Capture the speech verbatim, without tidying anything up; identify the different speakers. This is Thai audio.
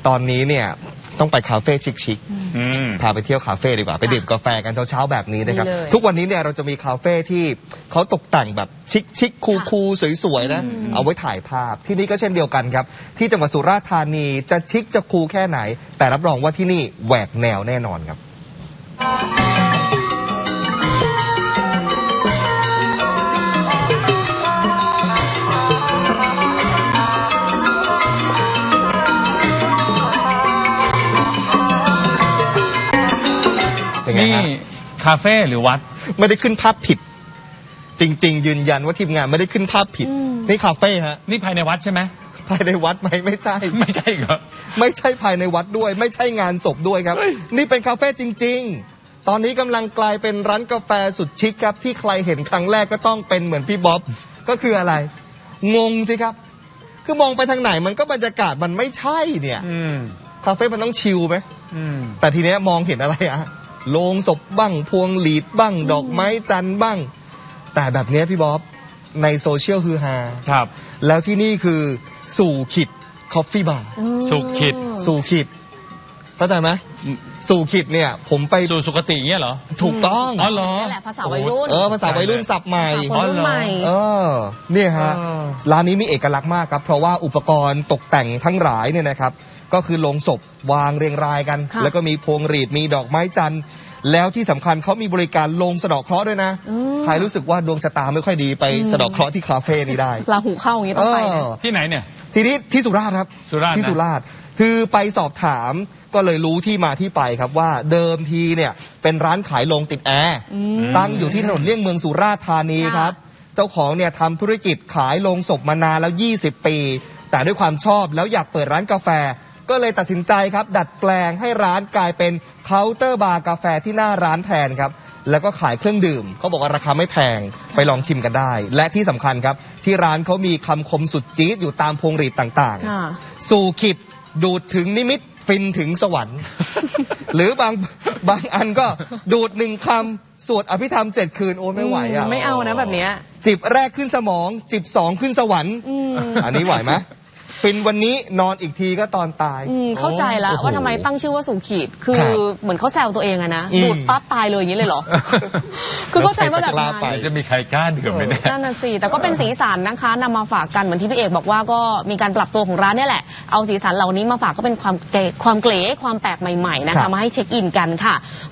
Speaker 1: ตอนนี้เนี่ยต้องไปคาเฟ่ชิคๆพาไปเที่ยวคาเฟ่ดีกว่าไปดื่มกาแฟกันเช้าๆแบบนี้นะครับทุกวันนี้เนี่ยเราจะมีคาเฟ่ที่เขาตกแต่งแบบชิคๆคูลๆสวยๆนะเอาไว้ถ่ายภาพที่นี่ก็เช่นเดียวกันครับที่จังหวัดสุราษฎร์ธานีจะชิคจะคูลแค่ไหนแต่รับรองว่าที่นี่แหวกแนวแน่นอนครับ
Speaker 2: นี่คาเฟ่หรือวัด
Speaker 1: ไม่ได้ขึ้นภาพผิดจริงๆยืนยันว่าทีมงานไม่ได้ขึ้นภาพผิดนี่คาเฟ่ฮะ
Speaker 2: นี่ภายในวัดใช่ไหม
Speaker 1: ภายในวัดไหมไม่ใช่
Speaker 2: ไม่ใช่เหรอ
Speaker 1: ไม่ใช่ภายในวัดด้วยไม่ใช่งานศพด้วยครับนี่เป็นคาเฟ่จริงๆตอนนี้กำลังกลายเป็นร้านกาแฟสุดชิคครับที่ใครเห็นครั้งแรกก็ต้องเป็นเหมือนพี่บ๊อบก็คืออะไรงงสิครับคือมองไปทางไหนมันก็บรรยากาศมันไม่ใช่เนี่ยคาเฟ่มันต้องชิลไหมแต่ทีเนี้ยมองเห็นอะไรอะโลงศพบ้างพวงหลีดบ้างดอกไม้จันทร์บ้างแต่แบบนี้พี่บ๊อบในโซเชียลฮือฮา
Speaker 2: ครับ
Speaker 1: แล้วที่นี่คือสู่ขิดคอฟฟี่บาร์
Speaker 2: สู่ขิด
Speaker 1: สู่ขิดเข้าใจไหมสู่ขิดเนี่ยผมไป
Speaker 2: สู่สุคติเงี้ยเหรอ
Speaker 1: ถูกต้อง
Speaker 2: อ๋อเหรอ
Speaker 3: นี่แหละภาษาวัยรุ่น
Speaker 1: เออภาษาวัยรุ่นศัพท์ใหม่
Speaker 3: อ๋อเหรอ
Speaker 1: เออเนี่ยฮะร้านนี้มีเอกลักษณ์มากครับเพราะว่าอุปกรณ์ตกแต่งทั้งหลายเนี่ยนะครับก็คือโลงศพวางเรียงรายกันแล้วก็มีพวงหรีดมีดอกไม้จันทร์แล้วที่สำคัญเขามีบริการลงสะเดาะเคราะห์ด้วยนะใครรู้สึกว่าดวงชะตาไม่ค่อยดีไปสะเดาะเคราะห์ที่คาเฟ่นี้ได้
Speaker 3: ราหูเข้าอย่างนี้ต้องไปนะ
Speaker 2: ที่ไหนเนี่ย
Speaker 1: ทีนี้ที่สุราษฎร์ครับที่สุราษฎร์คือไปสอบถามก็เลยรู้ที่มาที่ไปครับว่าเดิมทีเนี่ยเป็นร้านขายโลงติดแอร์ตั้งอยู่ที่ถนนเลี่ยงเมืองสุราษฎร์ธานีครับเจ้าของเนี่ยทำธุรกิจขายโลงศพมานานแล้วยี่สิบปีแต่ด้วยความชอบแล้วอยากเปิดร้านกาแฟก็เลยตัดสินใจครับดัดแปลงให้ร้านกลายเป็นเคาน์เตอร์บาร์กาแฟที่หน้าร้านแทนครับแล้วก็ขายเครื่องดื่มเขาบอกว่าราคาไม่แพงไปลองชิมกันได้และที่สำคัญครับที่ร้านเขามีคำคมสุดจี๊ดอยู่ตามพวงหรีดต่างๆสู่ขิดดูดถึงนิมิตฟินถึงสวรรค์ หรือบางบางอันก็ดูดหนึ่งคำสวดอภิธรรมเจ็ดคืนโอ้ไม่ไหวอ่ะ
Speaker 3: ไม่เอานะแบบนี้
Speaker 1: จิบแรกขึ้นสมองจิบสองขึ้นสวรรค์อันนี้ไหวไหมฟินวันนี้นอนอีกทีก็ตอนตาย
Speaker 3: เข้าใจแล้วว่าทำไมตั้งชื่อว่าสู่ขีดคือเหมือนเขาแซวตัวเองอะนะดูดปั๊บตายเลยอย่างนี้เลยเหรอคือเข้าใจว่าแบบ
Speaker 2: นั้นจะมีใครกล้าดื่มไหมเนี่ย
Speaker 3: นั่นน่ะสิแต่ก็เป็นสีสันนะคะนำมาฝากกันเหมือนที่พี่เอกบอกว่าก็มีการปรับตัวของร้านนี่แหละเอาสีสันเหล่านี้มาฝากก็เป็นความเก๋ความเก๋ความแปลกใหม่ๆนะคะมาให้เช็คอินกันค่ะ